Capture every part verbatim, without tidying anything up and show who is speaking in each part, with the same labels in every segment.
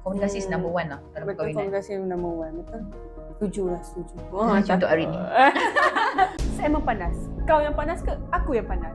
Speaker 1: Komunikasi is
Speaker 2: Hmm.
Speaker 1: number one lah dalam
Speaker 2: Betul,
Speaker 1: perkahwinan.
Speaker 2: komunikasi number one. Betul. Setuju lah, setuju.
Speaker 1: Oh, macam untuk hari ni.
Speaker 2: Saya memang panas. Kau yang panas ke? Aku yang panas.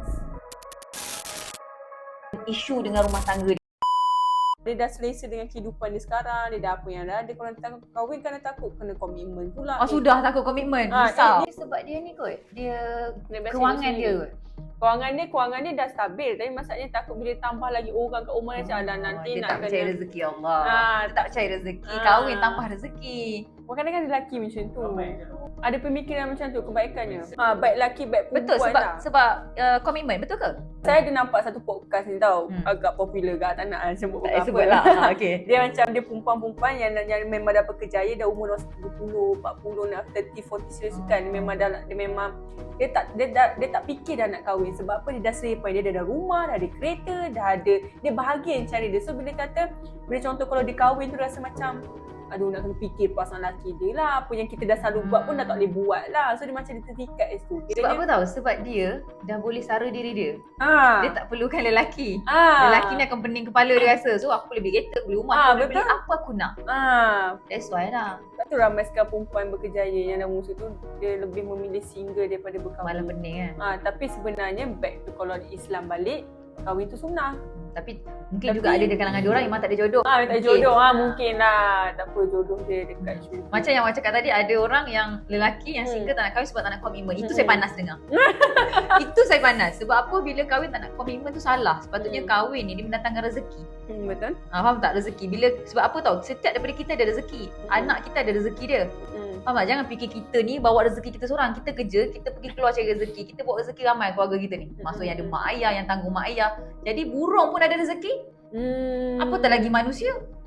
Speaker 1: Isu dengan rumah tangga dia.
Speaker 2: Dia dah selesa dengan kehidupan dia sekarang. Dia dah apa yang dah ada. Kalau nanti takut kahwin kan dia takut kena komitmen pula.
Speaker 1: Oh, sudah takut komitmen.
Speaker 2: Ah,
Speaker 1: Risau.
Speaker 2: dia-
Speaker 1: Sebab dia ni kot. Dia
Speaker 2: Dia biasa
Speaker 1: kewangan
Speaker 2: hidup
Speaker 1: dia
Speaker 2: sendiri.
Speaker 1: kot.
Speaker 2: Kewangan dia, kewangan dia dah stabil. Tapi masalahnya takut bila tambah lagi orang kat rumah dia macam ada nanti
Speaker 1: dia
Speaker 2: nak
Speaker 1: tak percaya
Speaker 2: kena.
Speaker 1: rezeki Allah.
Speaker 2: Ah,
Speaker 1: Dia tak percaya rezeki.
Speaker 2: Ah.
Speaker 1: Kahwin tambah rezeki.
Speaker 2: Kadang-kadang ada lelaki macam tu. Ada pemikiran macam tu kebaikannya. Ha, baik lelaki, baik perempuan.
Speaker 1: Betul sebab
Speaker 2: lah.
Speaker 1: sebab uh, komitmen. Betul ke?
Speaker 2: Saya ada nampak satu podcast ni tau.
Speaker 1: Hmm.
Speaker 2: Agak popular ke. Tak nak lah sebut
Speaker 1: Tak payah
Speaker 2: apa
Speaker 1: sebut lah. Ha, okay.
Speaker 2: Dia macam dia perempuan-perempuan yang, yang memang dah berkejaya, dah umur tiga puluh, empat puluh, nak tiga puluh, empat puluh kan. Dia memang dah dia memang dia tak dia, dah, dia tak fikir dah nak kahwin sebab apa, dia dah selepai, dia dah ada rumah, dah ada kereta, dah ada, dia bahagia yang cari dia. So bila kata, bila contoh kalau dia kahwin tu rasa macam aduh nak kena fikir perasaan lelaki dia lah, apa yang kita dah selalu buat pun dah tak boleh buat lah. So dia macam dia tertikat kat situ.
Speaker 1: Sebab apa tahu? Sebab dia dah boleh sara diri dia.
Speaker 2: Ha.
Speaker 1: Dia tak perlukan lelaki.
Speaker 2: Ha.
Speaker 1: Lelaki ni akan pening kepala dia rasa. So aku boleh beli kereta, beli rumah,
Speaker 2: Ah,
Speaker 1: aku boleh beli
Speaker 2: betul.
Speaker 1: apa aku nak.
Speaker 2: Ha.
Speaker 1: That's why lah.
Speaker 2: Sebab tu ramai sekarang perempuan berkejaya yang dah musuh tu, dia lebih memilih single daripada berkahwin.
Speaker 1: Malah pening kan.
Speaker 2: Ha, tapi sebenarnya back to kalau Islam balik, kahwin tu sunnah.
Speaker 1: Tapi mungkin
Speaker 2: Tapi-
Speaker 1: juga ada di kalangan dia orang yang memang tak ada jodoh.
Speaker 2: Ah, tak
Speaker 1: Mungkin.
Speaker 2: jodoh ah mungkin lah. Tak apa, jodoh dia dekat syurga.
Speaker 1: Macam yang macam cakap tadi, ada orang yang lelaki yang
Speaker 2: Hmm.
Speaker 1: single tak nak kahwin sebab tak nak komitmen. Itu
Speaker 2: Hmm.
Speaker 1: saya panas dengar. Itu saya panas. Sebab apa? Bila kahwin tak nak komitmen tu salah. Sepatutnya
Speaker 2: Hmm.
Speaker 1: kahwin ni dia mendatangkan rezeki.
Speaker 2: Hmm, betul.
Speaker 1: Ha, faham tak? Rezeki. Bila sebab apa tahu? Setiap daripada kita ada rezeki.
Speaker 2: Hmm.
Speaker 1: Anak kita ada rezeki dia.
Speaker 2: Hmm.
Speaker 1: Faham tak? Jangan fikir kita ni bawa rezeki kita seorang. Kita kerja, kita pergi keluar cari rezeki. Kita bawa rezeki ramai keluarga kita ni. Maksudnya ada mak ayah yang tanggung mak ayah. Jadi burung pun ada rezeki.
Speaker 2: Hmm.
Speaker 1: Apa tak lagi manusia?